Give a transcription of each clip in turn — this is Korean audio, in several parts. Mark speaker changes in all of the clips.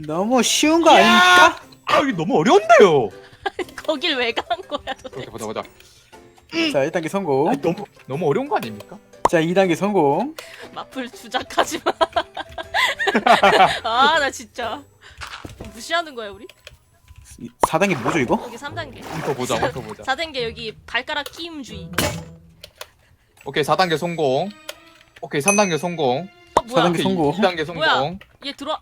Speaker 1: 너무 쉬운 거 아닙니까?
Speaker 2: 아 이게 너무 어려운데요.
Speaker 3: 거길 왜 간 거야 도대체.
Speaker 2: 보자.
Speaker 1: 자 1단계 성공.
Speaker 2: 아, 너무 어려운 거 아닙니까?
Speaker 1: 자 2단계 성공.
Speaker 3: 마플 주작하지 마. 아 나 진짜 무시하는 거야 우리?
Speaker 1: 4단계 뭐죠 이거?
Speaker 3: 여기 3단계.
Speaker 2: 더 보자.
Speaker 3: 4단계 여기 발가락 끼임주의.
Speaker 2: 오케이 4단계 성공. 오케이 3단계 성공.
Speaker 3: 뭐야?
Speaker 1: 4단계 성공.
Speaker 2: 2단계 성공.
Speaker 3: 뭐야? 얘 들어와.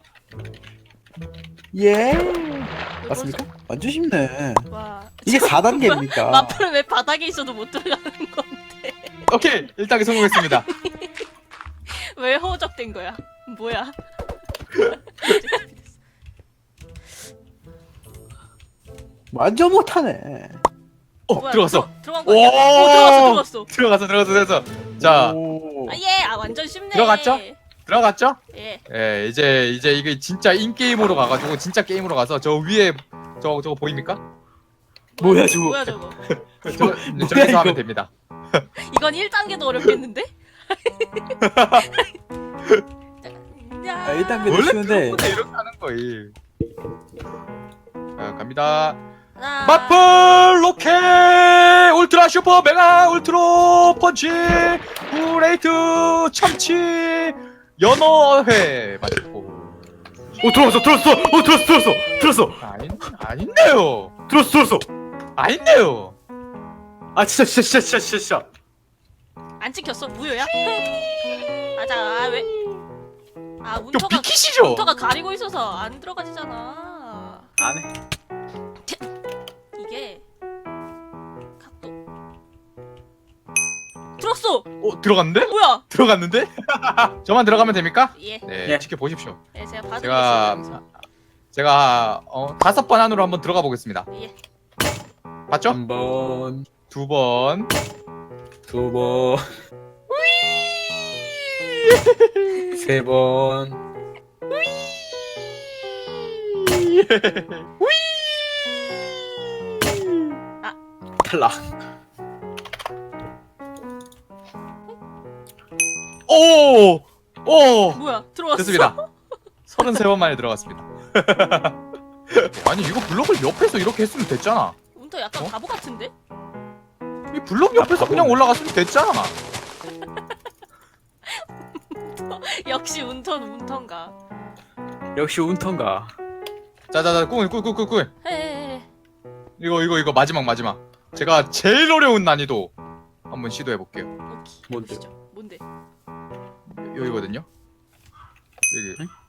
Speaker 1: 예.
Speaker 3: 이거
Speaker 1: 맞습니까? 완전 쉽네.
Speaker 3: 와.
Speaker 1: 이게
Speaker 3: 지금
Speaker 1: 4단계입니까?
Speaker 3: 마플은 왜 바닥에 있어도 못 들어가는 건데?
Speaker 2: 오케이 1단계 성공했습니다.
Speaker 3: 왜 허접된 거야? 뭐야?
Speaker 1: 완전 못하네.
Speaker 3: 뭐야,
Speaker 2: 들어갔어.
Speaker 3: 들어간 거 아니야? 들어갔어.
Speaker 2: 들어갔어. 자
Speaker 1: 오.
Speaker 3: 아 예, 아 완전 쉽네.
Speaker 2: 들어갔죠? 들어갔죠?
Speaker 3: 예.
Speaker 2: 예 이제 이게 진짜 인게임으로 가가지고 진짜 게임으로 가서 저 위에 저거 보입니까?
Speaker 1: 뭐야, 저거?
Speaker 3: 뭐야 저거?
Speaker 2: 저기서
Speaker 1: 이거?
Speaker 2: 하면 됩니다.
Speaker 3: 이건 1단계도 어렵겠는데?
Speaker 1: 아, 1단계도
Speaker 2: 원래
Speaker 1: 쉬운데.
Speaker 2: 프로그램 이렇게 하는 거예요. 자 갑니다.
Speaker 3: 하나.
Speaker 2: 마플 로켓 울트라 슈퍼 메가 울트로 펀치 브레이트 참치 연어회 맞고
Speaker 1: 들었어.
Speaker 2: 아닌데요.
Speaker 1: 들었어.
Speaker 2: 아닌데요.
Speaker 1: 아 진짜.
Speaker 3: 안 찍혔어? 무효야? 아자 아, 왜? 아
Speaker 2: 좀
Speaker 3: 운터가
Speaker 2: 비키시죠.
Speaker 3: 운터가 가리고 있어서 안 들어가지잖아.
Speaker 1: 안 해.
Speaker 3: 이게 각도 들었어.
Speaker 2: 들어갔는데?
Speaker 3: 뭐야?
Speaker 2: 들어갔는데? 저만 들어가면 됩니까?
Speaker 3: 예.
Speaker 2: 네,
Speaker 1: 예.
Speaker 2: 지켜보십시오.
Speaker 3: 예, 제가 봐드리겠습니다.
Speaker 2: 제가 5번 안으로 한번 들어가 보겠습니다.
Speaker 3: 예.
Speaker 2: 봤죠?
Speaker 1: 3번,
Speaker 2: 2번.
Speaker 1: 2번, 3번. 탈락.
Speaker 2: 오!
Speaker 3: 뭐야? 들어왔어.
Speaker 2: 됐습니다. 33번 만에 들어갔습니다. 아니 이거 블록을 옆에서 이렇게 했으면 됐잖아.
Speaker 3: 운터 약간
Speaker 2: 어?
Speaker 3: 바보 같은데?
Speaker 2: 이 블록 옆에서 그냥 올라갔으면 됐잖아.
Speaker 3: 역시 운터는 운터인가.
Speaker 1: 역시 운턴가.
Speaker 2: 자자자 꿀.
Speaker 3: 헤헤헤.
Speaker 2: 이거 마지막. 제가 제일 어려운 난이도 한번 시도해 볼게요.
Speaker 3: 오케이.
Speaker 1: 뭔데요?
Speaker 3: 보시죠. 뭔데?
Speaker 2: 여기거든요. 여기